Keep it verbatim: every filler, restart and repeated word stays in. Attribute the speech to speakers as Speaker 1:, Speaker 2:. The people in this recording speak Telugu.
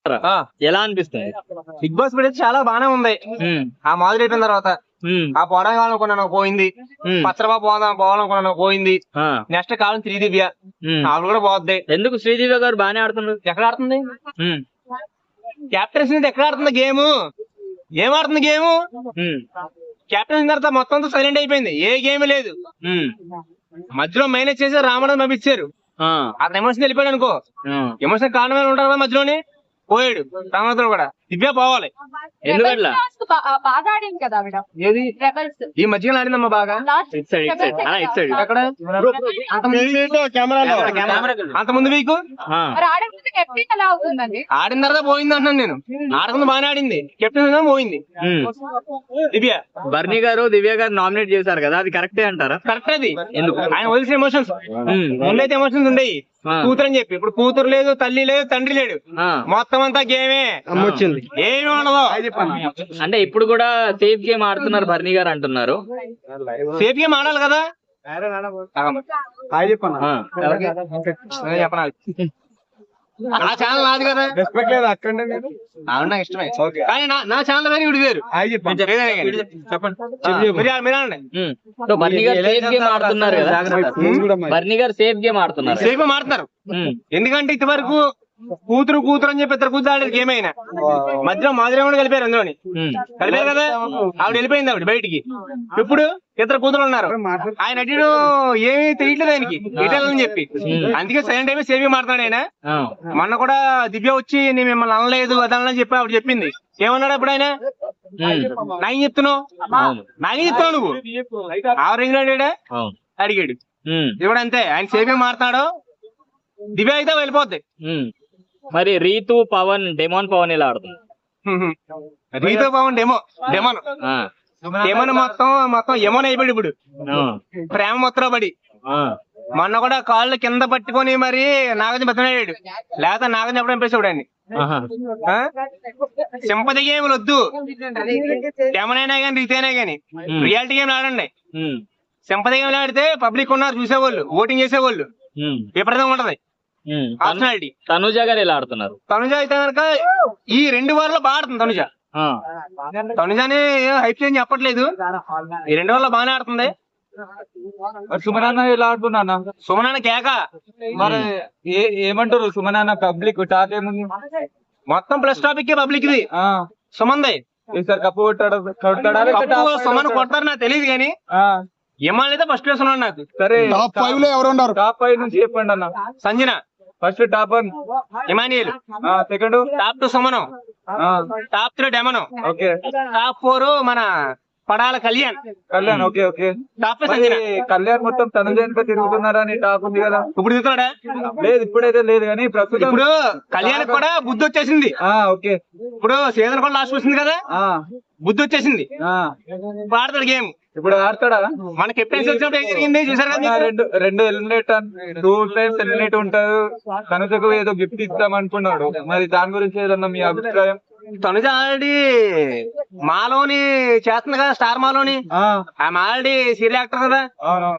Speaker 1: ఎలా అనిపిస్తుంది?
Speaker 2: బిగ్ బాస్ వీడియో చాలా బానే ఉంది. ఆ మాదిరి అయిపోయిన తర్వాత ఆ పోవడం కావాలనుకున్నాను పోయింది. పచ్చరబా పోదాం పోవాలనుకున్నాను పోయింది. నెక్స్ట్ కాలం శ్రీదివ్య ఆవిడ కూడా పోద్ది.
Speaker 1: ఎందుకు శ్రీదివ్య గారు బానే ఆడుతున్నారు?
Speaker 2: ఎక్కడ ఆడుతుంది? కెప్టెన్స్ ఎక్కడ ఆడుతుంది గేమ్? ఏం ఆడుతుంది గేమ్? కెప్టెన్స్ తర్వాత మొత్తం అంతా సైలెంట్ అయిపోయింది. ఏ గేమ్ లేదు. మధ్యలో మైనస్ చేసి రామణం పంపించారు. అతను ఎమోషన్ వెళ్ళిపోయాడు అనుకో. ఎమోషన్ కారణమే ఉంటారు కదా మధ్యలోనే పోయాడు. రామణతో కూడా దివ్య పోవాలి.
Speaker 1: ఎందుకట్లా?
Speaker 2: ఏది ఈ మధ్యలో ఆడిందమ్మా బాగా. ఎక్కడ అంత ముందు వీకు ఆడిన తర్వాత పోయింది అంటున్నాను నేను. ఆడకుండా బాగానే ఆడింది. కెప్టెన్ పోయింది దివ్య.
Speaker 1: బర్నీ గారు దివ్య గారు నామినేట్ చేశారు కదా, అది కరెక్టే అంటారా?
Speaker 2: కరెక్ట్. అది ఎందుకు ఆయన వదిలిసిన ఎమోషన్స్. ముందైతే ఎమోషన్స్ ఉండేవి కూతురు అని చెప్పి. ఇప్పుడు కూతురు లేదు, తల్లి లేదు, తండ్రి లేడు. మొత్తం అంతా గేమే వచ్చింది. ఏమి ఉండదు.
Speaker 1: అంటే ఇప్పుడు కూడా సేఫ్ గేమ్ ఆడుతున్నారు బర్నీ గారు అంటున్నారు.
Speaker 2: సేఫ్ గేమ్ ఆడాలి కదా. చెప్పనాలి. నా ఛానల్ నాది కదా. అవునా ఇష్టమే. కానీ నా ఛానల్ కానీ ఇవి వేరు. చెప్పండి
Speaker 1: బర్నీ గారు సేఫ్ గేమ్ ఆడుతున్నారు కదా. బర్నీ గారు సేఫ్ గేమ్ ఆడుతున్నారు.
Speaker 2: సేఫ్ గేమ్ ఆడుతున్నారు. ఎందుకంటే ఇంత వరకు కూతురు కూతురు అని చెప్పి ఇద్దరు కూతురు ఆడేది గేమ్ అయినా మధ్యలో మాదిరి కూడా కలిపారు. అందులోని కలిపారు కదా. ఆవిడ వెళ్ళిపోయింది ఆవిడ బయటికి. ఇప్పుడు ఇద్దరు కూతురు ఉన్నారు. ఆయన అటు ఏమీ తెలియట్లేదు ఆయనకి ఎటాలని చెప్పి. అందుకే సైలెంట్ అయిపోయి సేవ్ మాట్లాడు ఆయన. మొన్న కూడా దివ్య వచ్చి నేను మిమ్మల్ని అనలేదు అదనని చెప్పి ఆవిడ చెప్పింది. ఏమన్నాడు అప్పుడు ఆయన? నాకేం చెప్తున్నావు నాకేం చెప్తున్నావు నువ్వు ఆవరింగ్ అడిగాడు. ఇప్పుడు అంతే. ఆయన సేవ్ మాట్లాడు. దివ్య అయితే వెళ్ళిపోద్ది.
Speaker 1: మరి రీతు పవన్ డెమోన్ పవన్ ఇలా ఆడుతుంది.
Speaker 2: రీతు పవన్ డెమో డెమోన్ డెమోన్ మొత్తం మొత్తం ఎమోన్ అయిపోయాడు ఇప్పుడు. ప్రేమ మొత్తం పడి మొన్న కూడా కాళ్ళు కింద పట్టుకొని మరి నాగజ బతనాడాడు. లేకపోతే నాగజ ఎప్పుడు పంపేసాడు అండి. సింపతి గేమ్లు వద్దు. డెమోన్ అయినా కానీ రీతి అయినా కానీ రియాలిటీ గేమ్ ఆడండి. సింపతి గేమ్లు ఆడితే పబ్లిక్ ఉన్నారు చూసేవాళ్ళు, ఓటింగ్ చేసేవాళ్ళు. విపరీతంగా ఉంటది.
Speaker 1: తనుజ గారు ఎలా ఆడుతున్నారు?
Speaker 2: తనుజ అయితే కనుక ఈ రెండు వారాల్లో బాగా ఆడుతుంది. తనుజ తనుజని హైప్ చేయని చెప్పట్లేదు. ఈ రెండు వారాల్లో బాగానే ఆడుతుంది.
Speaker 3: సుమనాన్న ఎలా ఆడుతున్నా?
Speaker 2: సుమనాన్న కేక.
Speaker 3: మరి ఏమంటారు సుమనాన్న పబ్లిక్ టాక్ ఏముంది?
Speaker 2: మొత్తం ప్లస్ టాపిక్ పబ్లిక్ ఇది. సుమంది
Speaker 3: ఈసారి కప్పు కొట్టాడు.
Speaker 2: సుమన్ కొడతారు నాకు తెలియదు కానీ ఎమ్మాల్ అయితే ఫస్ట్ ప్లేస్ ఉన్నాడు నాకు.
Speaker 3: సరే టాప్ ఫైవ్ లో ఎవరు ఉన్నారు? టాప్ ఫైవ్ నుంచి చెప్పండి అన్న.
Speaker 2: Sanjana
Speaker 3: first, top one
Speaker 2: Emmanuel,
Speaker 3: second
Speaker 2: top two సుమనం, టాప్ త్రీ డెమనం,
Speaker 3: ఓకే
Speaker 2: టాప్ ఫోర్ మన Padala Kalyan.
Speaker 3: Kalyan okay okay.
Speaker 2: Top five Sanjana.
Speaker 3: Kalyan మొత్తం తనుజ తిరుగుతున్నారని టాప్ ఉంది కదా.
Speaker 2: ఇప్పుడు తిరుగుతాడా?
Speaker 3: లేదు ఇప్పుడైతే లేదు కానీ ప్రస్తుతం
Speaker 2: ఇప్పుడు కళ్యాణ్ కూడా బుద్ధి వచ్చేసింది.
Speaker 3: ఓకే
Speaker 2: ఇప్పుడు సీజన్ కూడా లాస్ట్ వచ్చింది కదా, బుద్ధి వచ్చేసింది. ఆడతాడు గేమ్.
Speaker 3: ఇప్పుడు ఆడతాడా?
Speaker 2: మన కెప్టెన్సీ వచ్చినప్పుడు ఏం జరిగింది చూసారు కదా.
Speaker 3: రెండు రెండు ఎలిమినేట్ టూ టైమ్స్ ఎలిమినేట్ ఉంటారు. తనుజకు ఏదో గిఫ్ట్ ఇస్తాం అనుకున్నాడు. మరి దాని గురించి ఏదన్నా మీ అభిప్రాయం?
Speaker 2: తనుజ ఆల్రెడీ మాలోని చేస్తుంది కదా, స్టార్ మాలోని. ఆమె ఆల్రెడీ సీరియల్ యాక్టర్ కదా.